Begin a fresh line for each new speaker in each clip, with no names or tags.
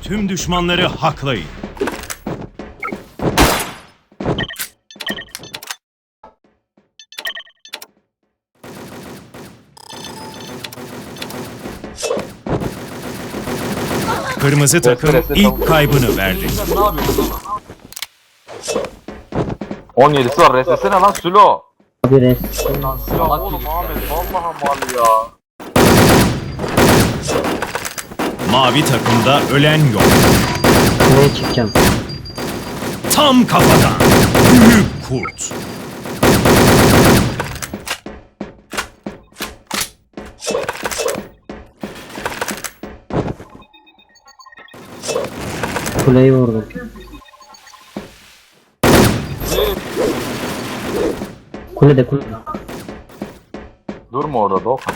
tüm düşmanları haklayın. Kırmızı takım ilk kaybını verdi.
Sen ne yapıyorsun?
17'si var. Resesene lan Sülo.
Abi res.
Lan
Ya
salak
oğlum
gibi.
Ahmet vallahi mal ya.
Mavi takımda ölen yok.
Buraya çıkacağım.
Tam kafadan. Büyük kurt.
Kuleyi vurdum. Kulede.
Durma orada Doğukan.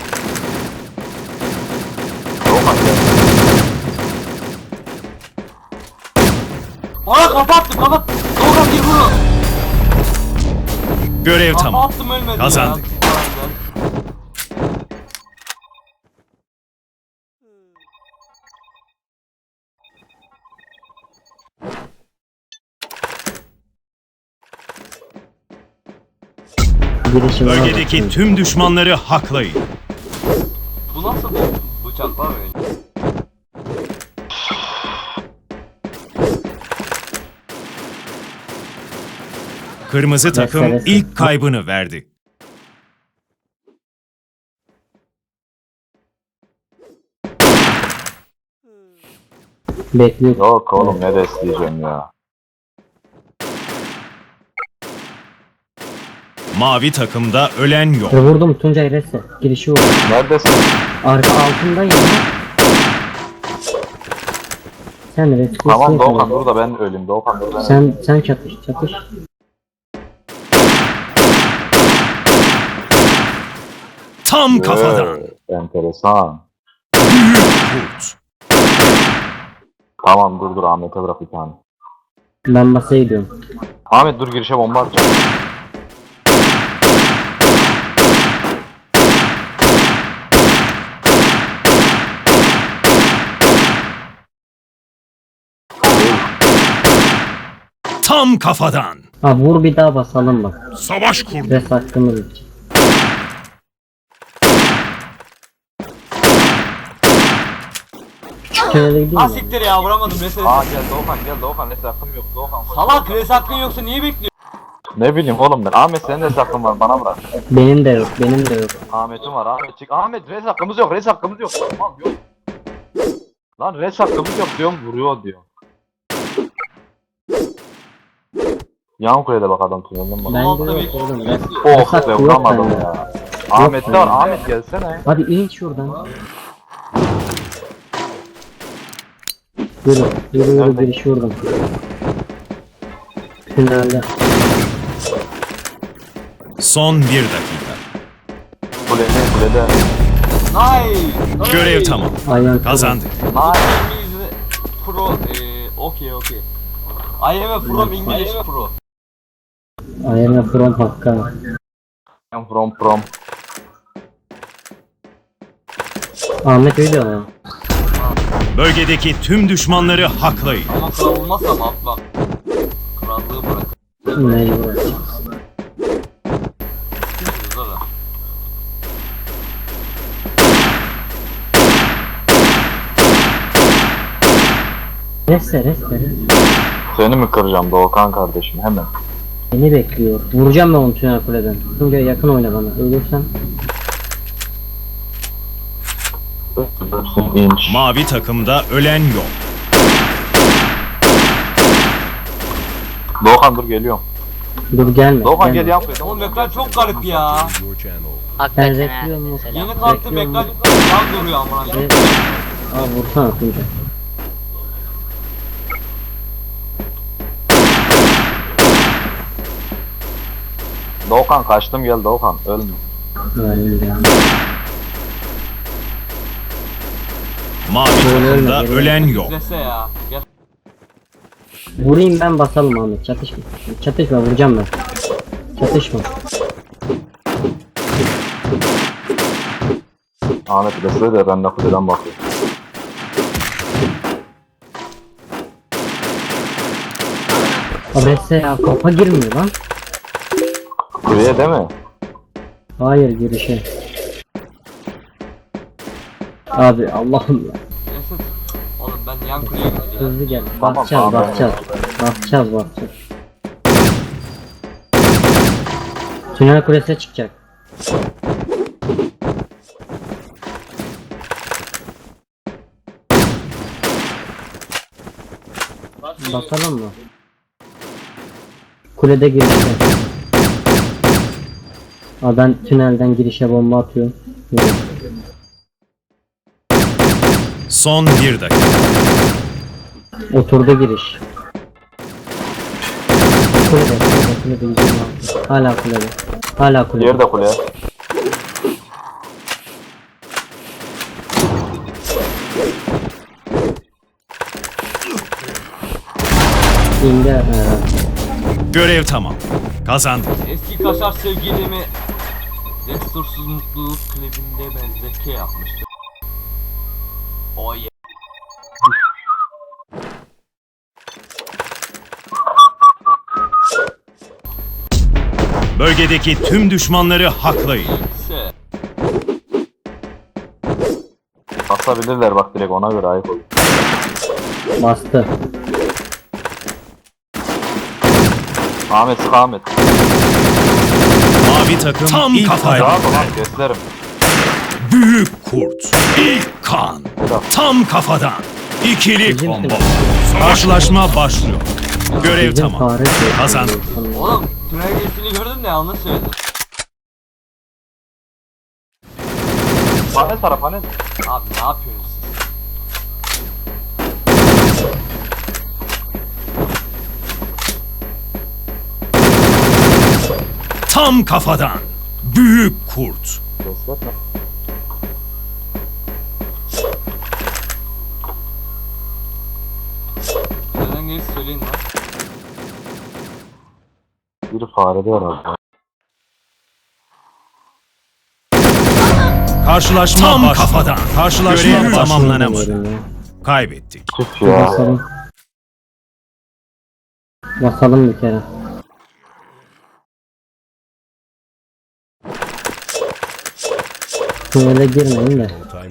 Doğukan gel.
Ona kapattım kapat. Doğru gir bunu.
Görev tamam.
Kapattım ölmedi
Kazandık.
ya.
Girişim var.
Bölgedeki tüm düşmanları haklayın.
Bu nasıl bir bıçak var böyle?
Kırmızı takım
Meselesi.
ilk kaybını verdi.
Bekliyor.
Yok oğlum ne destekleyeceğim ya.
Mavi takımda ölen yok.
Vurdum Tuncay resse. Girişi vurdum.
Neredesin?
Arka altındayım. Sen res.
Tamam Doğukan dur da ben öleyim. Doğukan dur ben öleyim.
Sen çatış.
Tam kafadan.
Enteresan.
Büyük kurt.
Tamam dur Ahmet'e bırak bir tane.
Ben masaya gidiyorum.
Ahmet dur girişe bomba atacağım.
Tam kafadan.
Ha vur bir daha basalım bak.
Savaş kurdu.
Res hakkımız için. Küçük tünele gideyim
Ha
mi?
siktir ya vuramadım mesela.
Aa gel Doğukan neyse hakkım yok Doğukan.
Salak res hakkın yoksa niye bekliyorsun?
Ne bileyim oğlum ben. Ahmet senin de hakkın var bana bırak.
Benim de yok.
Ahmet'im var Ahmet çık. Ahmet res hakkımız yok Tamam yok. Lan res hakkımız yok diyorum vuruyor diyor. Yan kulede bak adam tünelden bak.
Ben
Altta
de yok
bekliyorum.
oğlum. Res.
Oh
hakkı
be
yok
vuramadım
bende.
ya. Ahmet'te var Ahmet gelsene.
Hadi in şuradan. Yürü
Nerede?
girişi vurdum. Tünelde.
Son 1 dakika.
Kulede.
Nice.
Görev tamam.
Aynen.
Kazandık.
Nice.
İngiliz pro okey. I am a from English pro.
Aynen from Hakka.
From.
Ahmet öyle ama.
Bölgedeki tüm düşmanları haklayın.
Ama kral olmazsam atla. Krallığı bırak.
Mecbur.
Güzel ha.
Reste.
Seni mi kıracağım Doğukan kardeşim hemen.
Beni bekliyor. Vuracağım ben onu tünel kuleden. Tuncay yakın oyna bana. Ölürsem.
İnç.
Mavi takımda ölen yok.
Doğukan dur geliyorum.
Dur gelme.
Doğukan gel yan kulede.
Oğlum ekran çok garip ya.
Ben
Hakikaten ha.
rekliyorum mesela.
Yeni kalktım
Bekliyorum.
ekran yan duruyor amına.
Evet. Aa vursana Tuncay.
Doğukan kaçtım gel Doğukan ölme.
Öyle ya.
Mavi takımda ölen yok.
İzlese ya. Gel.
Vurayım ben basalım Ahmet. Çatışma vuracağım ben. Çatışma.
Ahmet de söyle de ben de kuleden bakıyorum.
Abrese ya kafa girmiyor lan.
Kuleye değil mi?
Hayır girişe. Abi Allah'ım ya.
Esat. Oğlum ben yan kuleye gideceğim.
Hızlı gel.
Tamam,
Bakacağız
tamam.
bakacağız. Bakacağız. Tünel kulesine çıkacak. Bakalım mı? Kulede girişe. Aa, ben tünelden girişe bomba atıyorum. Evet.
Son 1 dakika.
Oturdu giriş. Kulede 126. Hala kulede. Hala kulede.
Diğeri de kule.
İndi herhalde.
Görev tamam. Kazandık.
Eski kaşar sevgilimi Destursuz Mutluluk klibinde benzeke yapmıştı. Oh yeah.
Bölgedeki tüm düşmanları haklayın.
Se.
Basabilirler bak direkt ona göre ayıp olur.
Bastı.
Ahmet sık Ahmet.
Mavi takım tam ilk kaybını
Rahat ol lan
verdi.
keslerim.
Büyük kurt. İlk kan. Tam kafadan. İkili
Bizim
combo. Karşılaşma başlıyor. Görev
Bizim
tamam.
fare diyor.
Kazandık.
Oğlum tünel geçtiğini gördüm de yanlış söyledim.
Panel tara panel.
Abi ne yapıyorsunuz siz?
Tam kafadan. Büyük kurt.
Kesletme.
Neden gerisi söyleyin lan.
Biri farede herhalde.
Karşılaşma tam kafadan. Karşılaşma tamamlanamadı.
Bilmiyorum ya.
Kaybettik.
Tüh ya.
Basalım. Basalım bir kere. Tünele girmeyin de.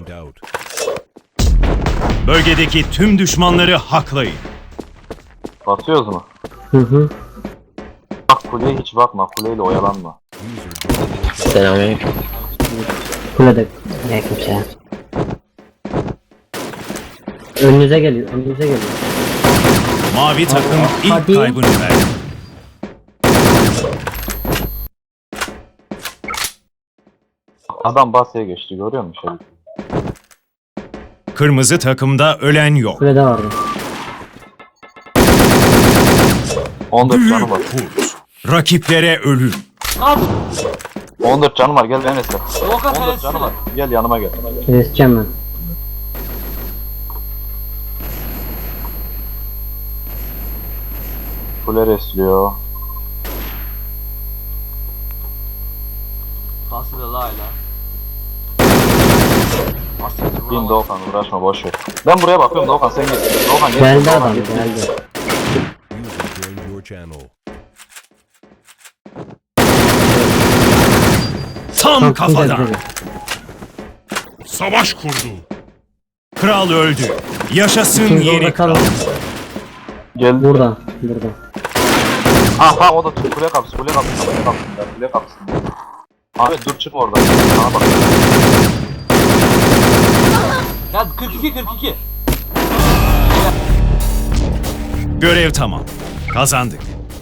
Bölgedeki tüm düşmanları haklayın.
Basıyoruz mu?
Hı hı.
Bak kuleye hiç bakma. Kuleyle oyalanma.
Selamünaleyküm.
Kulede.
Aleykümselam.
Önünüze geliyor. Önünüze geliyor.
Mavi takım ilk
hadi.
kaybını verdi.
Adam basya geçti görüyor musun şey?
Kırmızı takımda ölen yok.
Kulede vardı.
14
Büyük
canım var.
kurt. Rakiplere ölüm.
Kaç!
14 canım var gel beni iste.
Volkan
14 canım var. Gel yanıma gel.
Keseceğim ben.
Kule resliyor.
Pası da layla. Asiktir
Bin Doğukan uğraşma boş ver. Ben buraya bakıyorum Doğukan sen gel. Doğukan gel.
Geldi
Doğukan,
adam
gel.
geldi.
Tam kafadan.
geldi.
Savaş kurdu. Kral öldü. Yaşasın
Şimdi
yeni
orada
kral.
kalın.
Gel.
Buradan. Buradan.
Aha o da kule kapısı kule kapısı kule kapısı kule kapısı. Ahmet dur çık oradan. Sana bak.
Ya 42.
Görev tamam. Kazandık.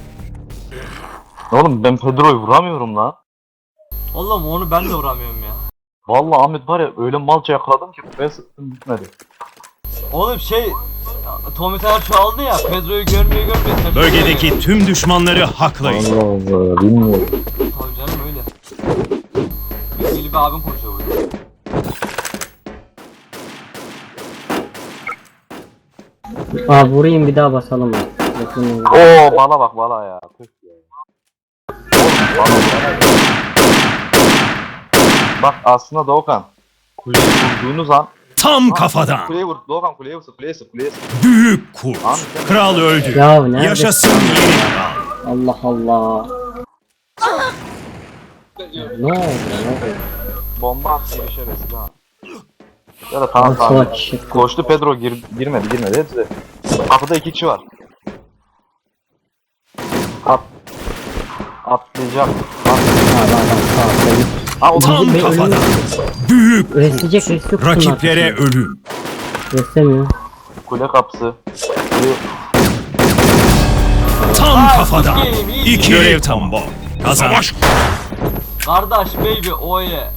Oğlum ben Pedro'yu vuramıyorum lan.
Oğlum onu ben de vuramıyorum ya.
Vallahi Ahmet var ya öyle malca yakaladım ki ben sıktım bitmedi.
Oğlum şey Tommy Taylor çoğaldı ya, Pedro'yu görmüyor.
Bölgedeki tüm düşmanları haklayın.
Allah Allah bilmiyorum.
Tabii canım öyle. Bilgili bir abim konuşuyor burada.
Aa vurayım bir daha basalım. Bakın.
Oo bala bak bala ya. Tüh ya. Oğlum bala. Bak aslında Doğukan. Kuleyi vurduğunuz an
Tam kafadan.
Kuleye vur. Doğukan kuleye vursun. Kuleye sık. Kuleye sık.
Büyük kurt. Kral öldü.
Ya nerede?
Yaşasın yeni kral.
Allah Allah. Ne oldu? Ne oldu?
Bomba attı bir şey resmi ha. Ya da tamam
Nasıl
tamam.
açık?
Koştu Pedro girmedi. Hepsi. Kapıda 2 kişi var. Atlayacak. O da
Tam
Bey
kafadan.
ölüyor.
Büyük
Resleyecek resti yok.
rakiplere ölüm.
Reslemiyor.
kule kapısı. Kule...
Tam kafadan.
iyi.
İki görev tambo. Kazanç.
Kardeş baby oye.